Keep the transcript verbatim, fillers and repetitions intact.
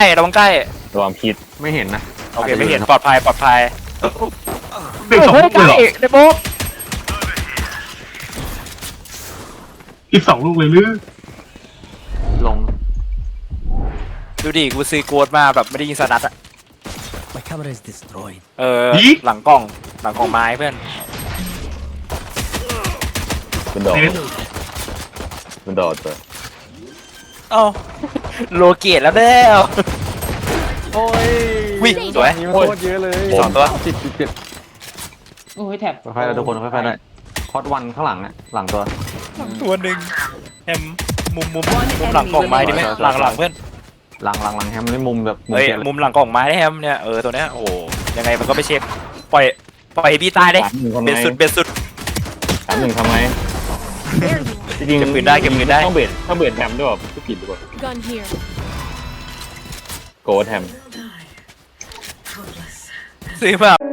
ระวังใกล้ระวังพิษไม่เห็นนะโอเคไม่เห็นปลอดภัยปลอดภัยเด็กสองเฮ้ยลูกใกเลยล้เหรอในโบ๊ะอีกสองลูกเลยหรือลงดูดิกูซีโกดมาแบบไม่ได้ยิงสนัดอะ My camera is destroyed. เออหลังกล้องหลังกล้องไม้เพื่อนมันโดดเน็ตมันโดดตัวเอ้าโลเกตแล้วแล้วโอ้ยวิ่งสวยนี่มันโคตรเยอะเลยสองตัวสิบสิบเจ็ดโอ้ยแถบค่อยๆได้ทุกคนค่อยๆได้คอร์ดวันข้างหลังเนี่ยหลังตัวตัวหนึ่งแฮมมุมมุมมุมหลังกล่องไม้ดีไหมหลังหลังเพื่อนหลังหลังหลังแฮมนี่มุมแบบมุมเฮ้ยเจ็ดเลยมุมหลังกล่องไม้ได้แฮมเนี่ยเออตัวเนี้ยโอ้ยังไงมันก็ไม่เช็คปล่อยปล่อยพี่ตายได้สามหนึ่งทำไมเบ็ดสุดเบ็ดสุดสามหนึ่งทำไมจริงเก็บปืนได้เก็บปืนได้ต้องเบ็ดต้องเบ็ดแฮมด้วยแบบผิดหรือเปล่า Gun here. โกดแฮมซื้อมา